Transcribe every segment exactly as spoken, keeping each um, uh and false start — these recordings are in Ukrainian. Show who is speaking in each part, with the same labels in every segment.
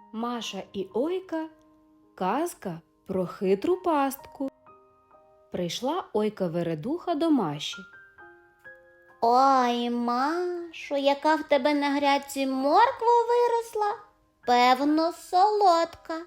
Speaker 1: Маша і Ойка. Казка про хитру пастку. Прийшла Ойка-вередуха до Маші.
Speaker 2: Ой, Машо, яка в тебе на грядці морква виросла? Певно, солодка.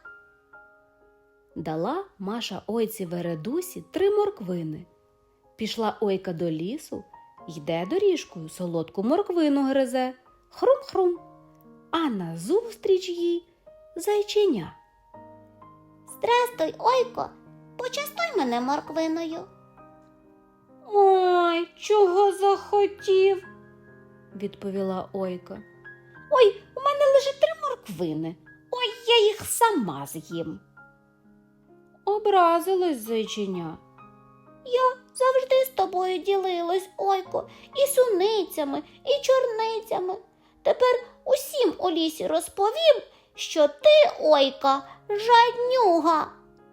Speaker 1: Дала Маша Ойці-вередусі три морквини. Пішла Ойка до лісу, йде доріжкою, солодку морквину гризе. Хрум-хрум. А назустріч їй зайченя.
Speaker 2: Здрастуй, Ойко, почастуй мене морквиною.
Speaker 1: Ой, чого захотів, відповіла Ойка. Ой, у мене лише три морквини. Ой, я їх сама з'їм. Образилось зайченя.
Speaker 2: Я завжди з тобою ділилась, Ойко, і суницями, і чорницями. Тепер усім у лісі розповім, що ти, Ойка, жаднюга.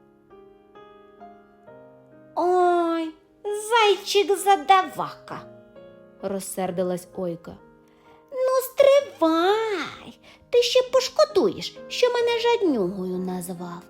Speaker 1: Ой, зайчик-задавака, розсердилась Ойка.
Speaker 2: Ну, стривай, ти ще пошкодуєш, що мене жаднюгою назвав.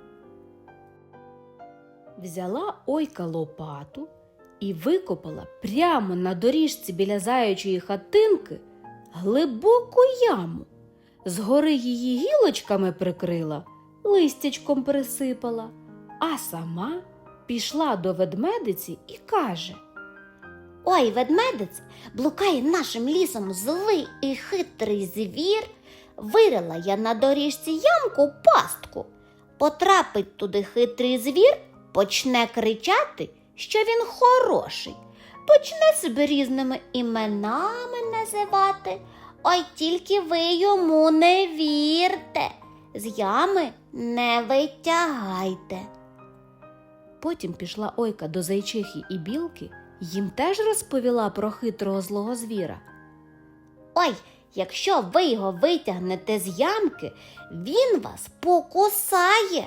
Speaker 1: Взяла Ойка лопату і викопала прямо на доріжці біля заячої хатинки глибоку яму. Згори її гілочками прикрила, листячком присипала, а сама пішла до ведмедиці і каже:
Speaker 2: Ой, ведмедець, блукає нашим лісом злий і хитрий звір. Вирила я на доріжці ямку пастку. Потрапить туди хитрий звір, почне кричати, що він хороший. Почне себе різними іменами називати. Ой, тільки ви йому не вірте, з ями не витягайте.
Speaker 1: Потім пішла Ойка до зайчихи і білки, їм теж розповіла про хитрого злого звіра.
Speaker 2: Ой, якщо ви його витягнете з ямки, він вас покусає.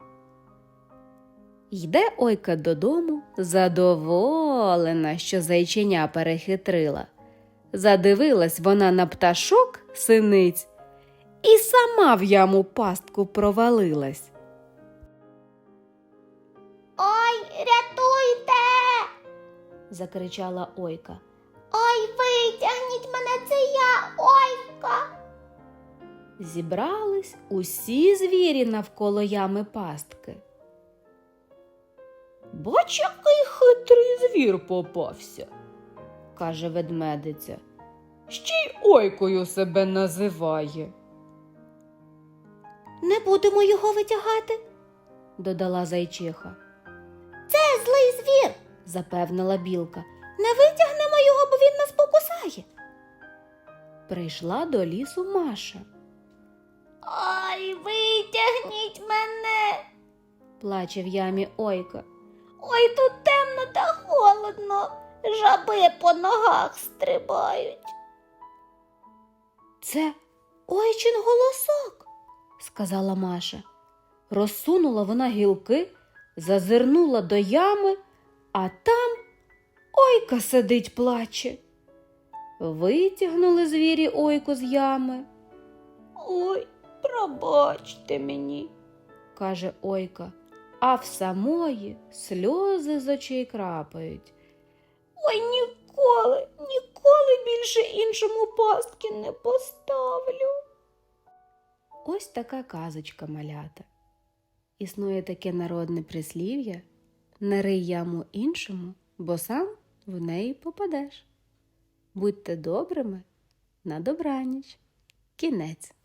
Speaker 1: Йде Ойка додому, задоволена, що зайченя перехитрила. Задивилась вона на пташок, синиць, і сама в яму пастку провалилась.
Speaker 2: Ой, рятуйте!
Speaker 1: Закричала Ойка.
Speaker 2: Ой, витягніть мене, це я, Ойка!
Speaker 1: Зібрались усі звірі навколо ями пастки. Бач, який хитрий звір попався, каже ведмедиця. Ще й Ойкою себе називає.
Speaker 2: Не будемо його витягати,
Speaker 1: додала зайчиха.
Speaker 2: це злий звір,
Speaker 1: Запевнила білка.
Speaker 2: не витягнемо його, бо він нас покусає.
Speaker 1: Прийшла до лісу Маша.
Speaker 2: Ой, витягніть мене!
Speaker 1: Плаче в ямі Ойка.
Speaker 2: Ой, тут темно та холодно, жаби по ногах стрибають.
Speaker 1: Це Ойчин голосок, сказала Маша. Розсунула вона гілки, зазирнула до ями, а там Ойка сидить, плаче. Витягнули звірі Ойку з ями.
Speaker 2: Ой, пробачте мені,
Speaker 1: каже Ойка, а в самої сльози з очей крапають.
Speaker 2: Ой, ніколи, ніколи більше іншому пастки не поставлю.
Speaker 1: Ось така казочка, малята. Існує таке народне прислів'я: не рий яму іншому, бо сам в неї попадеш. Будьте добрими, на добраніч. Кінець.